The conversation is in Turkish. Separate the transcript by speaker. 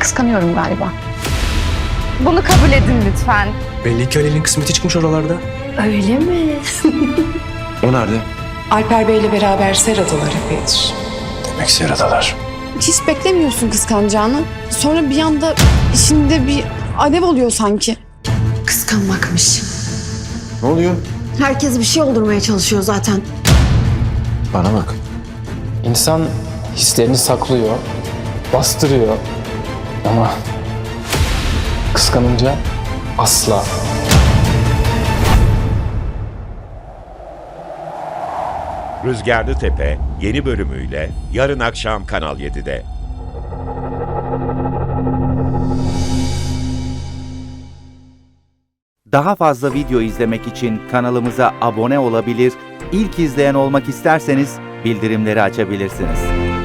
Speaker 1: kıskanıyorum galiba.
Speaker 2: Bunu kabul edin lütfen.
Speaker 3: Belli ki Halil'in kısmeti çıkmış oralarda.
Speaker 4: Öyle mi?
Speaker 3: O nerede?
Speaker 5: Alper Bey'le beraber Seradalar epeydir.
Speaker 3: Demek Seradalar.
Speaker 6: Hiç beklemiyorsun kıskanacağını. Sonra bir anda içinde bir alev oluyor sanki.
Speaker 4: Kıskanmakmış.
Speaker 3: Ne oluyor?
Speaker 4: Herkes bir şey oldurmaya çalışıyor zaten.
Speaker 3: Bana bak.
Speaker 7: İnsan hislerini saklıyor, bastırıyor ama kıskanınca asla.
Speaker 8: Rüzgarlı Tepe yeni bölümüyle yarın akşam Kanal 7'de.
Speaker 9: Daha fazla video izlemek için kanalımıza abone olabilir, ilk izleyen olmak isterseniz bildirimleri açabilirsiniz.